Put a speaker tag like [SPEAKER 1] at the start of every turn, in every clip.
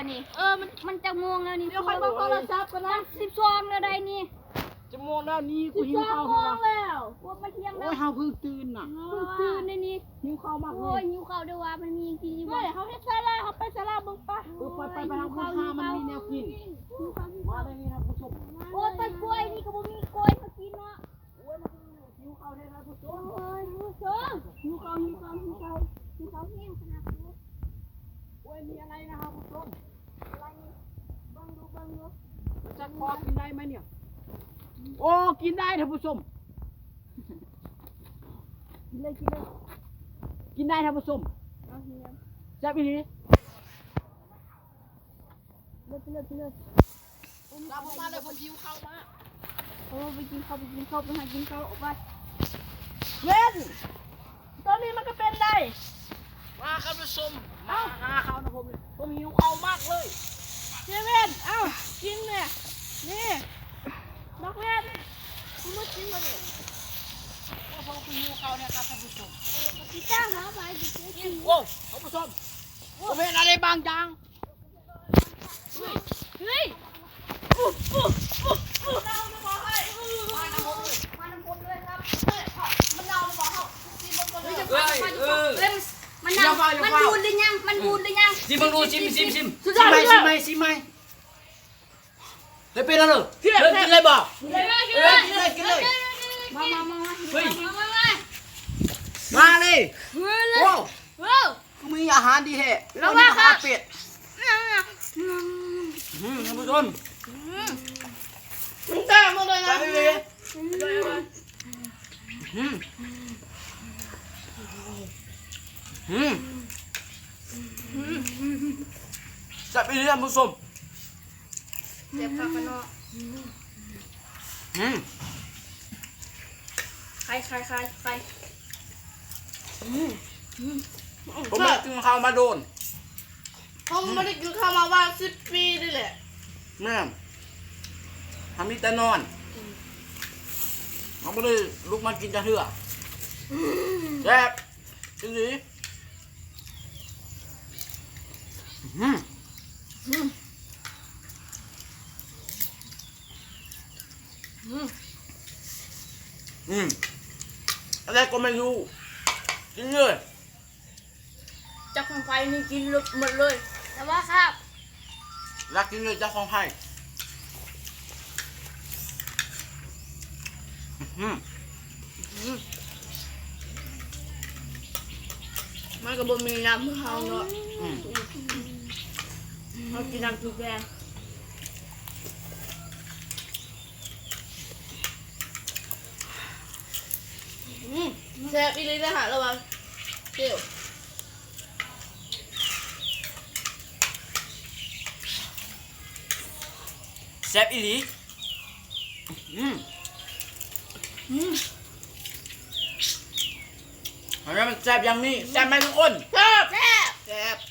[SPEAKER 1] แล้วนี่มันจะม่วงแล้วนี่
[SPEAKER 2] เดี๋ยวใครมาโทรศัพท์กันนะ
[SPEAKER 1] 12แล้วได้นี่
[SPEAKER 2] จะม่วงแล้วนี่กูหิวข้าว
[SPEAKER 1] ม่ว
[SPEAKER 2] แล้ว
[SPEAKER 1] งแล้วพวกมาเที่ยงแล้
[SPEAKER 2] โอ้
[SPEAKER 1] วย
[SPEAKER 2] เฮาเพิ่งตื่นน่ะ
[SPEAKER 1] เพิ่งตื่นนี่
[SPEAKER 2] หิวข้าวมากเล
[SPEAKER 1] โอ้ย
[SPEAKER 2] ย
[SPEAKER 1] หิวข้าวด้วยว่ามันมีกินอยู่
[SPEAKER 2] เฮ้ยเขาเฮ็ดซาลาเขาไปซาลาเบิ่งปะไปทางคุณค่ามันมีแนวกินมาเลยนี่ครับผู้ชม
[SPEAKER 1] โอ้ยต้นกล้วยนี่ก็บ่มีกล้วยมากินเนาะ
[SPEAKER 2] โอ้ยมันหิวข้าวได้ครับผู้ชม
[SPEAKER 1] โอ้ยผู้ชมหิวข้าวแห้งขนาดนี้
[SPEAKER 2] โอ้ยมีอะไรนะครับผู้ชม
[SPEAKER 1] อะไรนี่เบิ่งดู
[SPEAKER 2] จะพอกินได้ไหมเนี่ยโอ้กินได้ท่านผู้ชม
[SPEAKER 1] กินเลย
[SPEAKER 2] กินได้ท่านผู้ชม
[SPEAKER 1] เอาเฮีย
[SPEAKER 2] แซ่บอีหลี
[SPEAKER 1] เลย
[SPEAKER 2] ตามผมมาเลยผมหิวข้าวมา
[SPEAKER 1] โอ้ไปกินข้าวไปหากินข้าวออกไป
[SPEAKER 2] เว้นตอนนี้มันก็เป็นได้มาครับผู้ชมมาหาข้าวนะผมหิวข้าวมากเลยเจเว่นเอ้ากินเนี่ยนี่นักเว้นคุณมากินมาเนี่ยโอ้ผมหิวข้าวเนี่ยครับท่านผู้ชม
[SPEAKER 1] พี่จ้างหาไปดิกิน
[SPEAKER 2] โอ้ท่านผู้ชมผมเห็นอะไรบางอย่าง
[SPEAKER 1] เฮ้ย มันบูดหรือยัง
[SPEAKER 3] ซิมดูซิมซิมไหมได้เป็นแล้วเหรอ
[SPEAKER 2] กิน
[SPEAKER 3] เลิกกินเลยบอก
[SPEAKER 2] กินเลย
[SPEAKER 1] มา
[SPEAKER 3] เฮ้ย
[SPEAKER 1] มา
[SPEAKER 3] มาเลย
[SPEAKER 1] โอ้
[SPEAKER 3] โอ้กูมีอาหารดีแท้แล้วนี่อาหารเป็ดท่านผู้ชม
[SPEAKER 2] มึงแต้มมาเลยนะ
[SPEAKER 3] ไปเลยจับไปเลยท่านผู้ชม
[SPEAKER 1] เจ็บปากกันเนาะใคร
[SPEAKER 3] ผมไม่กินข้าวมาโดน
[SPEAKER 2] ผมไม่ได้กินข้าวมาว่า10 ปีนี่แหละ
[SPEAKER 3] แม่ทำนี่แต่นอนเขาไม่ได้ลุกมากินจะเถื่อแซ่บจริงดิอะไรก็ไม่รู้กินเลย
[SPEAKER 2] จับของไฟนี่กินหมดเลย
[SPEAKER 1] แต่ว่าครับ
[SPEAKER 3] รักกินเลยเจ้าของไผ่
[SPEAKER 2] มันก็บ่มีน้ำเฮาเนาะเฮากินน้ำทุกแกงแซ่บอีหลีนะฮะระวังเปรี้ยว
[SPEAKER 3] แซ่บอีหลีเห็นไหมมันแซ่บอย่างนี้แซ่บไหมทุกคน
[SPEAKER 2] แซ่บ
[SPEAKER 1] แซ่บ
[SPEAKER 2] แซ่บ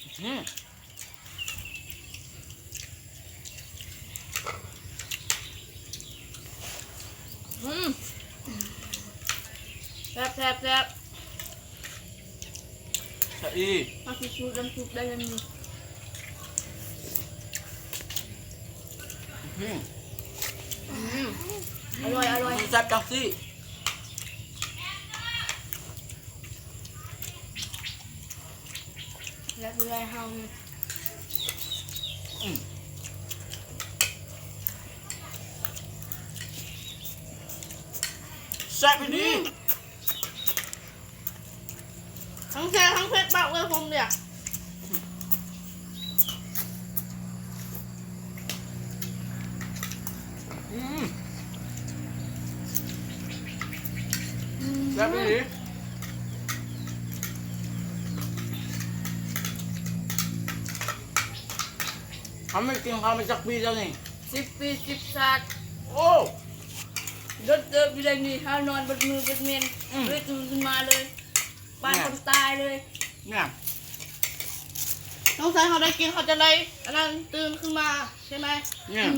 [SPEAKER 2] แซ่บ
[SPEAKER 3] แซ่บอี
[SPEAKER 2] มาสิชูน้ำซุปได้ยังมีอร่อย
[SPEAKER 3] มันแซ่บจังสิ
[SPEAKER 2] แล้วดูแลเฮา
[SPEAKER 3] แซ่บอีหลี
[SPEAKER 2] ทั้งแซ่บทั้งเผ็ดมากเลยผมเนี่ย
[SPEAKER 3] แซ่บอีหลีทำไม่กินข้าวมาจากปีแล้วนี่
[SPEAKER 2] 10 ปี10ศาสตร์
[SPEAKER 3] โอ้
[SPEAKER 2] รถเดินอยู่ในนี้เฮานอนบนมือบนเมนเลยตื่นขึ้นมาเลยบ้านคนตายเลย
[SPEAKER 3] เนี่ย
[SPEAKER 2] น้องชายเขาได้กินเขาจะเลยอันนั้นตื่นขึ้นมาใช่ไหม
[SPEAKER 3] เนี่ย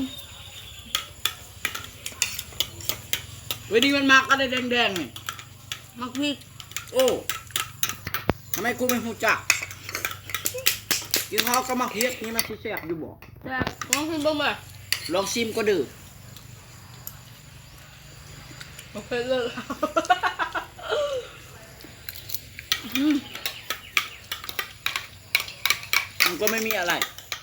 [SPEAKER 3] เวดีมันมากก็ได้แดงๆนี่
[SPEAKER 2] มักพริก
[SPEAKER 3] โอ้ทำไมกูไม่หูจักกินข้าวก็มาเฮ็ดนี่มันสิแซ่บอยู่บ่
[SPEAKER 2] แต่ลองกินบ้างไหม
[SPEAKER 3] ลองชิมก็ดื้อ
[SPEAKER 2] โอเคเลย
[SPEAKER 3] มันก็ไม่มีอะไร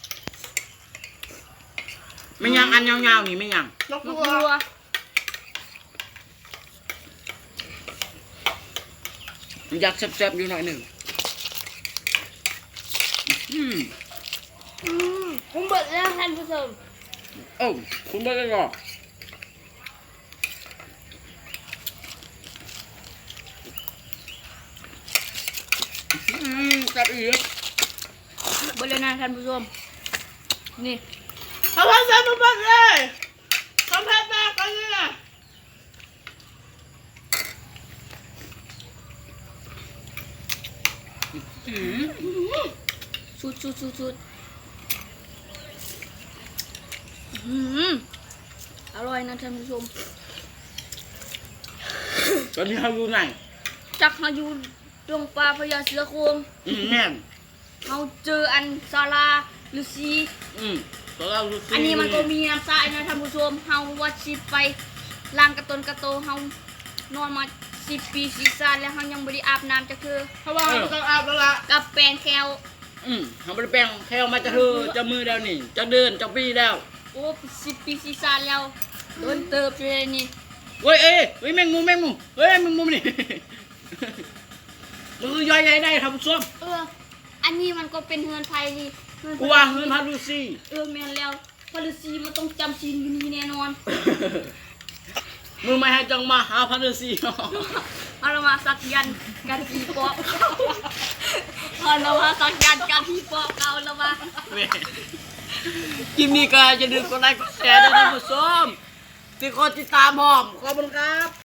[SPEAKER 3] ไม่ยังอันยาวๆนี่ไม่ยัง
[SPEAKER 2] นก
[SPEAKER 1] มะ
[SPEAKER 2] ตัว
[SPEAKER 1] กรัว
[SPEAKER 3] อยากแซ่บๆอยู่หน่อยหนึ่ง
[SPEAKER 1] ผมเบิดแล้วท่านผู้ชม
[SPEAKER 3] โอ้คุณไม่ได้หรอกแซ่บอีก
[SPEAKER 1] เบิดแล้วนะท่านผู้ชมนี่
[SPEAKER 2] ทำให้แซ่บมากเลยทำให้แม่กันเลยนะ
[SPEAKER 1] ชุดอร่อยนะท่านผู้ชม
[SPEAKER 3] ตอนนี้เขาอยู่ไหน
[SPEAKER 1] จักเขาอยู่ดงปลาพญาเสือโคร่ง
[SPEAKER 3] แม่น
[SPEAKER 1] เขาเจออันซาลาลูซี
[SPEAKER 3] ตอนเราดูสิ
[SPEAKER 1] อันนี้มันก็มีน้ำทรายนะท่านผู้ชมเฮาวัดชิไปล้างกระตนกระโตเฮานอนมา10 ปี10 ชาติแล้วเฮายังบ่ได้อาบน้ำจักเทื่อ
[SPEAKER 2] เพราะว่าเราต้องอาบแล้วล่ะ
[SPEAKER 1] กับแปรงแคล
[SPEAKER 3] เขาไม่ได้แปลงแค่มาจะเธอจะมือแล้วนี่ จะเดินจะปีแล้ว
[SPEAKER 1] โอ้10 ปี10 ชาติแล้วโดนเติบอยู่เลยนี่
[SPEAKER 3] เฮ้ยเฮ้ยแมงมุมเฮ้ยแมงมุมนี่ มือย่อยใหญ่ได้ทำส้ม
[SPEAKER 1] อันนี้มันก็เป็นเฮือนไทยนี่
[SPEAKER 3] กูว่าเงินพาลูซี่
[SPEAKER 1] แม่นแล้วพอลูซีมันต้องจำศีลอยู่นี่แน่นอน
[SPEAKER 3] มึงไม่ให้จังมาหาพาลูซี่
[SPEAKER 1] เอาละมาสักยันต์กันผีปอบเอาละมาสักยันต์กันผีปอบเอาละมา
[SPEAKER 3] คลิปนี้ก็จะดึงกดไลค์กดแชร์ด้วยนะผู้ชมที่คนติดตามหอมขอบคุณครับ